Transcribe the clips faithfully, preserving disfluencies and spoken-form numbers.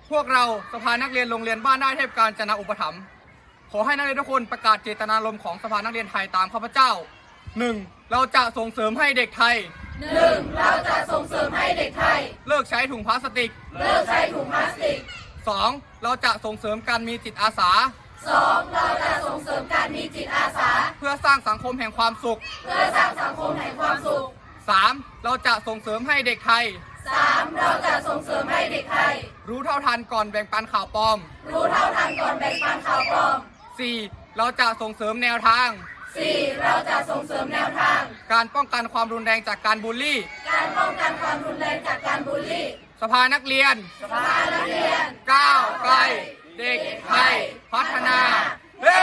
พวกเราสภานักเรียนโรงเรียนบ้านได้เทพกาญจนาอุปถัมภ์ขอให้นักเรียนทุกคนประกาศเจตนารมณ์ของสภานักเรียนไทยตามข้าพเจ้า หนึ่ง. เราจะส่งเสริมให้เด็กไทยหนึ่ง. เราจะส่งเสริมให้เด็กไทยเลิกใช้ถุงพลาสติกเลิกใช้ถุงพลาสติกสอง. เราจะส่งเสริมการมีจิตอาสาสอง. เราจะส่งเสริมการมีจิตอาสาเพื่อสร้างสังคมแห่งความสุขเพื่อสร้างสังคมแห่งความสุขสาม. เราจะส่งเสริมให้เด็กไทยสาม. เราจะส่งเสริมให้เด็กไทยรู้เท่าทันก่อนแบ่งปันข่าวปลอมรู้เท่าทันก่อนแบ่งปันข่าวปลอมสี่. เราจะส่งเสริมแนวทางสี่. เราจะส่งเสริมแนวทางการป้องกันความรุนแรงจากการบูลลี่การป้องกันความรุนแรงจากการบูลลี่สภานักเรียนสภานักเรียนก้าวไกลเด็กไทยพัฒนาเฮ้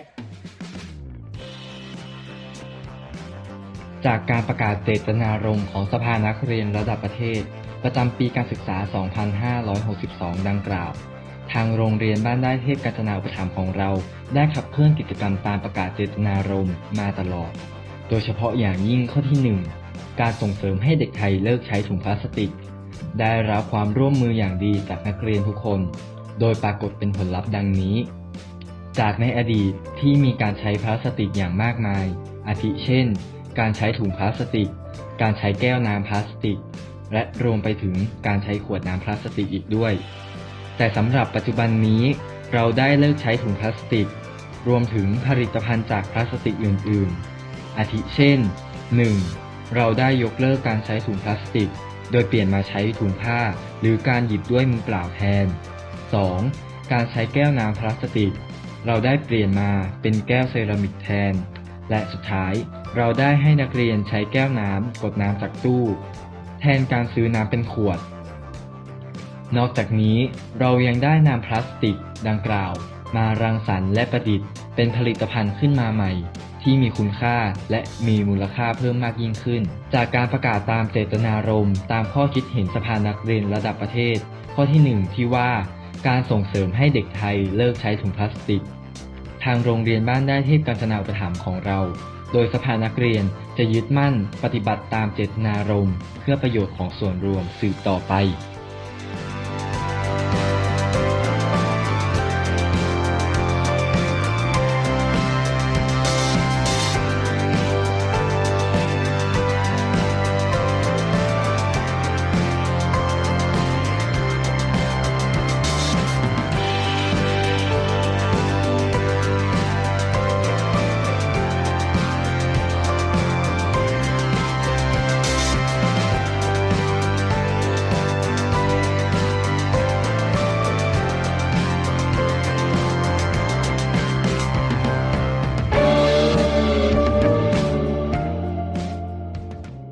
จากการประกาศเจตนารมณ์ของสภานักเรียนระดับประเทศประจำปีการศึกษา สองพันห้าร้อยหกสิบสอง ดังกล่าวทางโรงเรียนบ้านได้เทพกาญจนาอุปถัมภ์ของเราได้ขับเคลื่อนกิจกรรมตามประกาศเจตนารมณ์มาตลอดโดยเฉพาะอย่างยิ่งข้อที่ หนึ่ง การส่งเสริมให้เด็กไทยเลิกใช้ถุงพลาสติกได้รับความร่วมมืออย่างดีจากนักเรียนทุกคนโดยปรากฏเป็นผลลัพธ์ดังนี้จากในอดีตที่มีการใช้พลาสติกอย่างมากมายอาทิเช่นการใช้ถุงพลาสติกการใช้แก้วน้ำพลาสติกและรวมไปถึงการใช้ขวดน้ำพลาสติกอีกด้วยแต่สำหรับปัจจุบันนี้เราได้เลิกใช้ถุงพลาสติกรวมถึงผลิตภัณฑ์จากพลาสติกอื่นๆอาทิเช่น หนึ่ง. เราได้ยกเลิกการใช้ถุงพลาสติกโดยเปลี่ยนมาใช้ถุงผ้าหรือการหยิบด้วยมือเปล่าแทน สอง. การใช้แก้วน้ำพลาสติกเราได้เปลี่ยนมาเป็นแก้วเซรามิกแทนและสุดท้ายเราได้ให้นักเรียนใช้แก้วน้ำกดน้ำจากตู้แทนการซื้อน้ำเป็นขวดนอกจากนี้เรายังได้นำพลาสติกดังกล่าวมารังสรรค์และประดิษฐ์เป็นผลิตภัณฑ์ขึ้นมาใหม่ที่มีคุณค่าและมีมูลค่าเพิ่มมากยิ่งขึ้นจากการประกาศตามเจตนารมณ์ตามข้อคิดเห็นสภานักเรียนระดับประเทศข้อที่ หนึ่ง ที่ว่าการส่งเสริมให้เด็กไทยเลิกใช้ถุงพลาสติกทางโรงเรียนบ้านได้เทพกาญจนาอุปถัมภ์ของเราโดยสภานักเรียนจะยึดมั่นปฏิบัติตามเจตนารมณ์เพื่อประโยชน์ของส่วนรวมสืบต่อไป